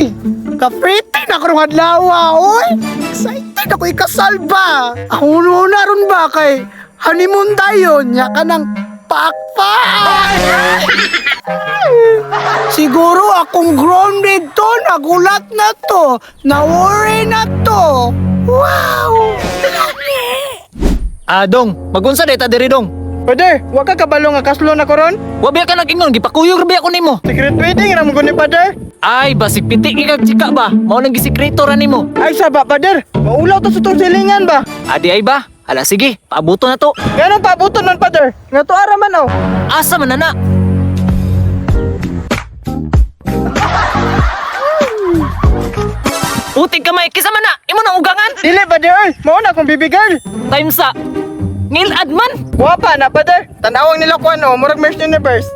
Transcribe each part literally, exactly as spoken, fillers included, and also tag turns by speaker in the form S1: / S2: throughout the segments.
S1: Uy! Ka-pretty na karong adlaw, oy! Excited ako ikasal ba? Ako na ron ba kay honeymoon tayo, nya ka ng pakpak! Siguro akong grounded to, nagulat na to, na-worry na to. Wow!
S2: Ah, dong, magunsa day ta diri dong.
S3: Father, wa ka kabalo nga kaslo na koron?
S2: Wabi ka nag-ingon, gipakuyog rabi ako nimo.
S3: Secret wedding ra mo guni, Father.
S2: Ay, basig pitik ikag chika ba? Mao nang gisikreto ra nimo.
S3: Ay saba, Father. Maulaw to sa tong silingan ba?
S2: Adi ay ba? Hala sige, paabuto na to.
S3: Ganong paabuton nun, Father? Nga to ara man oh.
S2: Asa man na? Putik kamay, kisa man na, imo nang ugangan.
S3: Dili, Father. Mao na akong baby girl.
S2: Time sa ngilad man.
S3: Guwapa na, Father. Tanawang nila ko ano, murag Miss Universe.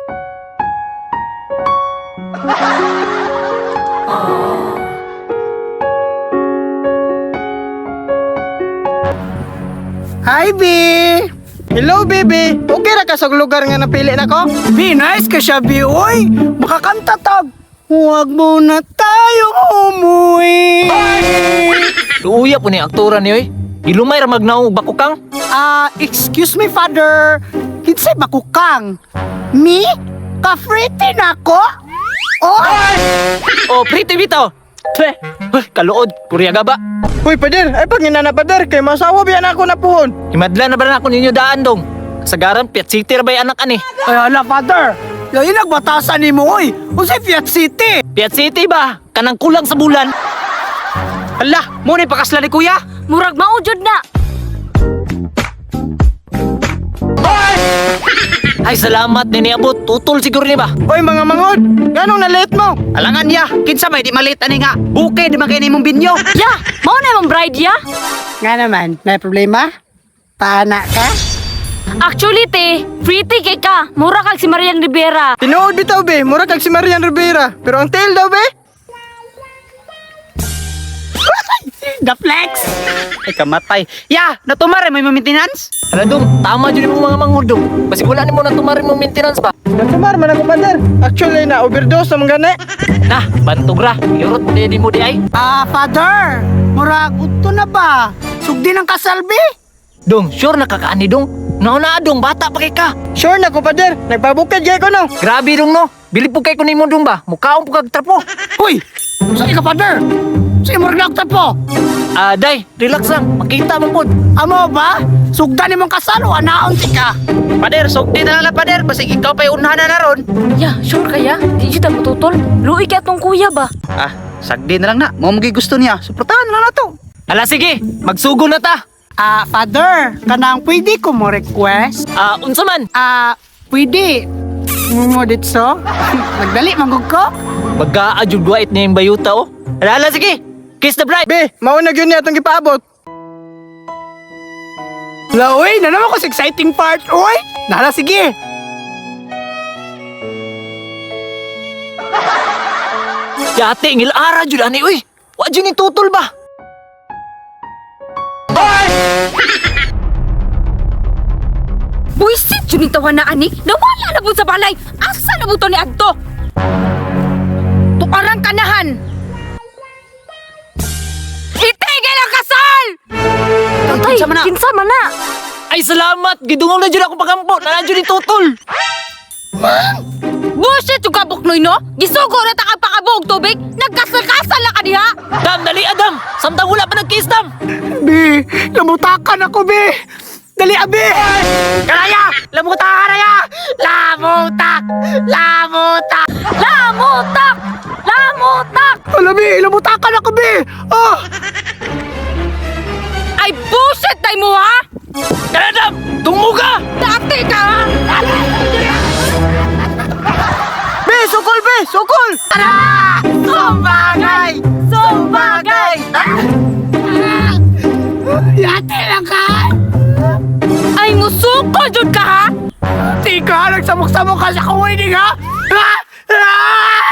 S1: Hi, B!
S3: Hello, baby. Okay ra ka sa lugar nga napili na ko?
S1: B, nice ka siya, B, oy! Makakanta tag! Huwag mo na tayong umuwi!
S2: Luuya po ni aktora niyo eh. Ilumay ra magnaong bakukang.
S1: Ah, excuse me, father. Kinsay bakukang? Me? Ka-pretty na ko? Oh!
S2: Oh, pretty bitaw. Tre, huh, kaluod, kuryaga ba?
S3: Uy, Father. Ay pangina na, Father. Kay masawa biyan ako na puhon.
S2: Himadla na ba na ako ninyo daan dong? Kasagaran, Piat City ra ba yung anak ani?
S1: Ay, hala, father. Yung nagbatasan ni mo, oy. Unsay Fiat City?
S2: Piat City ba? Kanang kulang sa bulan. Hala, mo ni pakasla ni kuya.
S4: Murag maujod na.
S2: Ay, salamat ni niabot. Tutol siguro ni ba?
S3: Uy, mga mangod. Ganong na-late mo?
S5: Alangan ya, kinsa may di malit ani nga. Bukay di magkini mong binyo.
S4: Ya, mao na mong bride ya.
S1: Nga naman, may problema? Pana ka?
S4: Actually te, pretty kay ka. Mura kag si Marian Rivera.
S3: Tinuod bitaw, be. Mura kag si Marian Rivera. Pero ang tail daw, be.
S1: The flex!
S5: Ay kamatay. Ya, natumare may maintenance.
S2: Hala dong, tama dyan mo mga manghudong. Basi wala ni mo na tumarin mong maintenance ba?
S3: Natumar man ako, Father. Actually, na overdose sa mga gani.
S2: Nah, bantog ra. Irot mo di mo di ay.
S1: Ah, father. Murag, uto na ba? Sugdi ng kasalbi?
S2: Dong, sure nakakaani dong. Nauna dong, bata pa kay ka.
S3: Sure na ko, Father. Nagbabukid gay ko, no?
S2: Grabe dong no. Bili po kay ko ni mo dong ba? Mukhaong po kag trapo.
S1: Uy! Saan ka, father? Sige, murag na po.
S2: Ah, day, relax lang. Makita mo po.
S1: Amo ba? Sugda ni mong kasalo, anaon ti ka.
S5: Pader, sugdi na lang pader, basig ikaw pa'y unahan na naron.
S4: Ya, sure kaya? Di jud ta matutol. Luoy kay atong kuya ba?
S5: Ah, sagdi na lang na. Mo magi gusto niya. Suportahan na lang na to.
S2: Hala sige, magsugo na ta.
S1: Ah, father, kanang pwede ko mo request?
S2: Ah, unsa man?
S1: Ah, pwede. Mo ditso? Nagdali, manggug ko?
S2: Mag-aadjud guwait niya yung bayuta oh. Hala, hala sige. Kiss the bride.
S3: Be, mauna yun niya itong gipaabot.
S1: La, uy, na naman ko sa exciting part, uy. Nala, sige.
S2: Yate, ngil ara jud ani uy. Wa jud ni tutol ba?
S4: Buisit jud ni tawa na ani. Nawala na pud sa balay. Asa na buto ni adto? Tuarang kanahan. Itigil ang kasal! Tay,
S5: kinsa man na?
S4: kinsa man na?
S2: Ay salamat, gidungog na jud ako pagampo. Na jud ni tutol.
S4: Bullshit yung kabuknoy no? Gisugo na ta kang pakabog tubig? Nagkasal-kasal na ka diha?
S2: Dam, dali Adam. Samtang wala pa nag-kiss dam.
S1: Bi, lamutakan ako, Bi. Dali, abi.
S5: Karaya! Lamuta karaya! Lamutak! Lamutak!
S4: Lamutak! Lamutak!
S1: Ala, Bi, lamutakan ako, Bi. Ah,
S4: Ay bullshit tayo mo ha?
S2: Tara Dam, tumuga.
S4: Dati ka ha?
S3: Be, sukol, be, sukol!
S4: Tara! Sumbagay! Sumbagay!
S1: yate lang ka.
S4: Ay musuko jud ka ha?
S1: Tika, nagsamok-samok ka sa kawinig, ha? Ah! Ah!